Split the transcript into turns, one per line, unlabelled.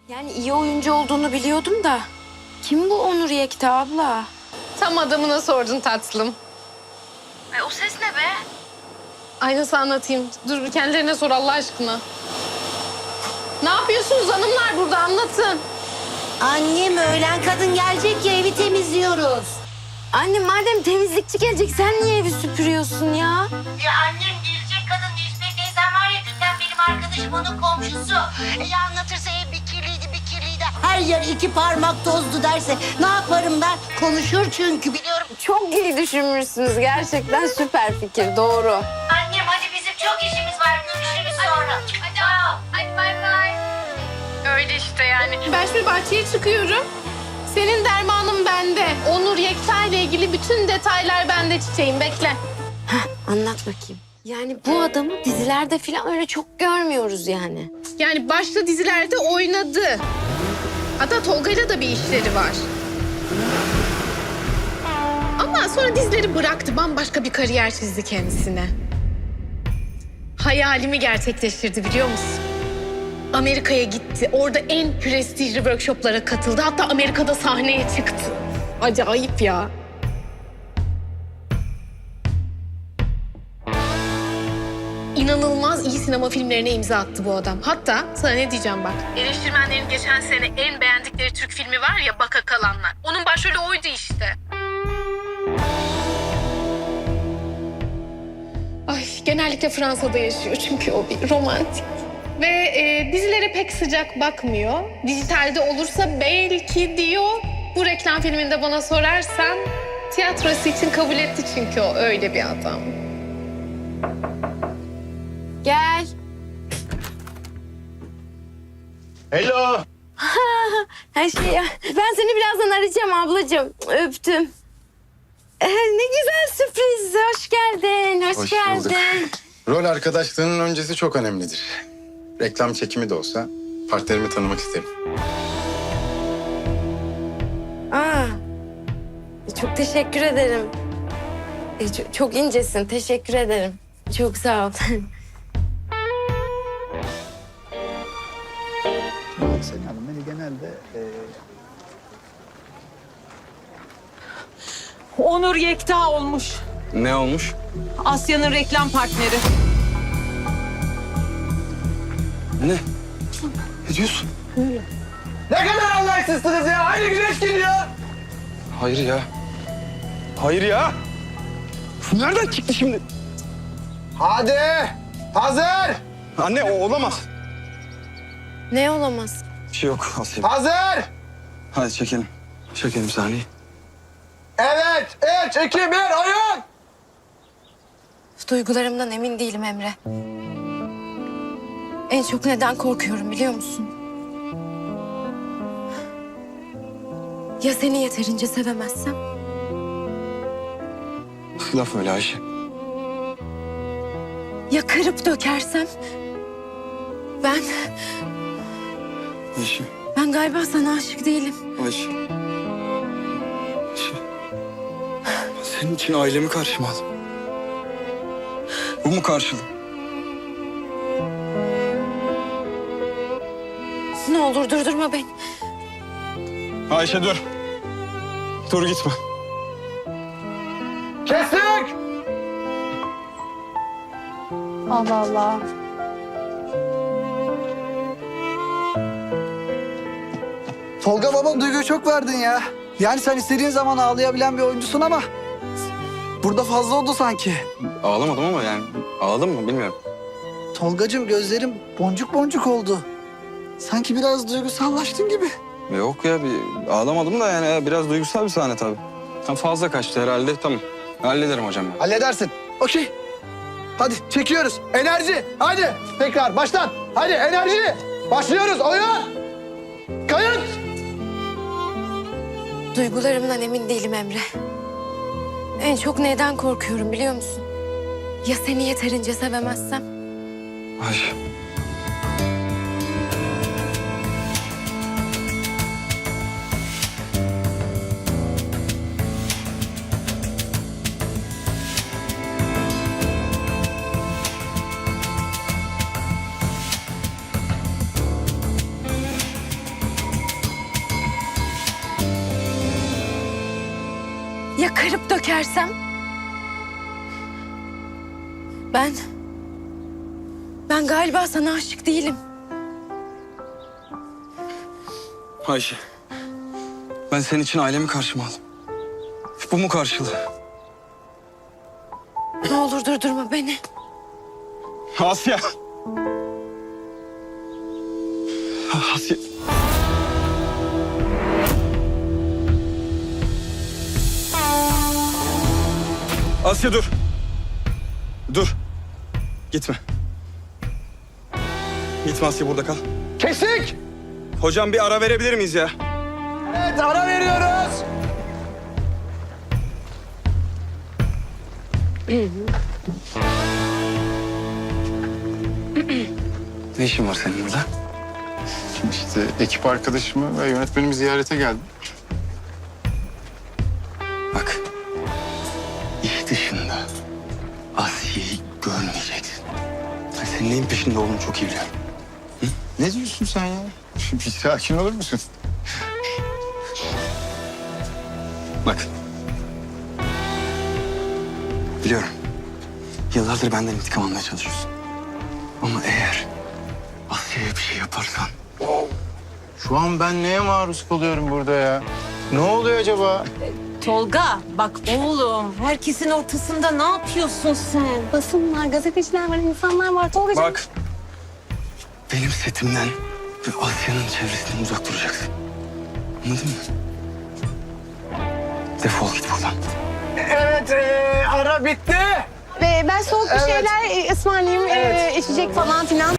Yani iyi oyuncu olduğunu biliyordum da. Kim bu Onur Yekta abla?
Tam adamına sordun tatlım.
O ses ne be?
Ay nasıl anlatayım? Dur bir kendilerine sor Allah aşkına. Ne yapıyorsunuz hanımlar burada anlatın.
Annem öğlen kadın gelecek ya evi temizliyoruz.
Anne madem temizlikçi gelecek sen niye evi süpürüyorsun ya?
Ya annem gelecek kadın Necmiye teyzem var ya dünden benim arkadaşım onun komşusu. Ya anlatırsa ev bir kirliydi bir kirliydi. Her yer 2 parmak tozdu derse ne yaparım ben? Konuşur çünkü biliyorum.
Çok iyi düşünmüşsünüz. Gerçekten süper fikir. Doğru.
Annem hadi bizim çok işimiz var görüşürüz sonra.
Hadi bay bay. Öyle işte yani. Ben şimdi bahçeye çıkıyorum. Senin dermanın bende. Onur Yekta ile ilgili bütün detaylar bende çiçeğim. Bekle.
Anlat bakayım. Yani bu adamı dizilerde falan öyle çok görmüyoruz yani.
Yani başta dizilerde oynadı. Hatta Tolga'yla da bir işleri var. Ama sonra dizileri bıraktı. Bambaşka bir kariyer çizdi kendisine. Hayalimi gerçekleştirdi biliyor musun? Amerika'ya gitti. Orada en prestijli workshoplara katıldı. Hatta Amerika'da sahneye çıktı. Acayip ya. İnanılmaz iyi sinema filmlerine imza attı bu adam. Hatta sana ne diyeceğim bak. Eleştirmenlerin geçen sene en beğendikleri Türk filmi var ya Baka Kalanlar. Onun başrolü oydu işte. Ay genellikle Fransa'da yaşıyor çünkü o bir romantik. Ve dizilere pek sıcak bakmıyor. Dijitalde olursa belki diyor. Bu reklam filminde bana sorarsan tiyatrosu için kabul etti çünkü o öyle bir adam.
Gel.
Hello.
Her şey ya. Ben seni birazdan arayacağım ablacığım. Öptüm. Ne güzel sürpriz. Hoş geldin. Hoş
Hoş
geldin.
bulduk. Rol arkadaşlığının öncesi çok önemlidir. Reklam çekimi de olsa partnerimi tanımak isterim.
Aa, çok teşekkür ederim. Çok incesin. Teşekkür ederim. Çok sağ ol.
Seni Hanım beni genelde
Onur Yekta olmuş.
Ne olmuş?
Asya'nın reklam partneri.
Ne? Ne diyorsun?
ne kadar anlayışsızsınız ya. Aynı güneş geliyor.
Hayır ya. Hayır ya. Bu nereden çıktı şimdi?
Hadi. Hazır.
Anne o olamaz.
Ne olamaz?
Bir şey yok Asya.
Hazır.
Hadi çekelim. Çekelim sahneyi.
Evet. 3, 2, 1 oyun.
Duygularımdan emin değilim Emre. En çok neden korkuyorum biliyor musun? Ya seni yeterince sevemezsem?
Laf öyle Ayşe.
Ya kırıp dökersem? Ben
Ayşe.
galiba sana aşık değilim.
Ayşe. Ayşe. Senin için ailemi karşıma aldım. Bu mu karşılığı?
Ne olur durdurma beni.
Ayşe dur. Dur gitme.
Kestik.
Allah Allah.
Tolga baba duyguyu çok verdin ya. Yani sen istediğin zaman ağlayabilen bir oyuncusun ama burada fazla oldu sanki.
Ağlamadım ama yani. Ağladım mı bilmiyorum.
Tolgacığım gözlerim boncuk boncuk oldu. Sanki biraz duygusallaştın gibi.
Yok ya bir ağlamadım da yani biraz duygusal bir sahne tabii. Ha, fazla kaçtı herhalde tamam. Hallederim hocam ben.
Halledersin. Okey. Hadi çekiyoruz. Enerji. Hadi. Tekrar baştan. Hadi enerji. Başlıyoruz. Oyun. Kayıt.
Duygularımdan emin değilim Emre. En çok neden korkuyorum biliyor musun? Ya seni yeterince sevemezsem?
Ayşe.
Ya kırıp dökersem? Ben galiba sana aşık değilim.
Ayşe. Ben senin için ailemi karşıma aldım. Bu mu karşılığı?
Ne olur durdurma beni.
Asya. Asya. Asya dur. Dur. Gitme. Gitme Asya, burada kal.
Kesik.
Hocam bir ara verebilir miyiz ya?
Evet, ara veriyoruz.
Ne işin var senin burada?
İşte ekip arkadaşımı ve yönetmenimi ziyarete geldim.
Bak. İş dışında Asya'yı görmeyeceksin. Ben senin neyin peşinde olduğunu çok iyi biliyorum.
Ne diyorsun sen ya? Bir sakin olur musun?
Bak. Biliyorum. Yıllardır benden intikam almaya çalışıyorsun. Ama eğer Asya'ya bir şey yaparsan...
Şu an ben neye maruz kalıyorum burada ya? Ne oluyor acaba?
Tolga bak oğlum herkesin ortasında ne yapıyorsun sen?
Basın var, gazeteciler var, insanlar var. Tolga'cığım.
Bak. Benim setimden ve Asya'nın çevresinden uzak duracaksın. Anladın mı? Defol git buradan.
Evet, ara bitti.
Ben soğuk bir
Evet.
şeyler ısmarlayayım, içecek falan filan.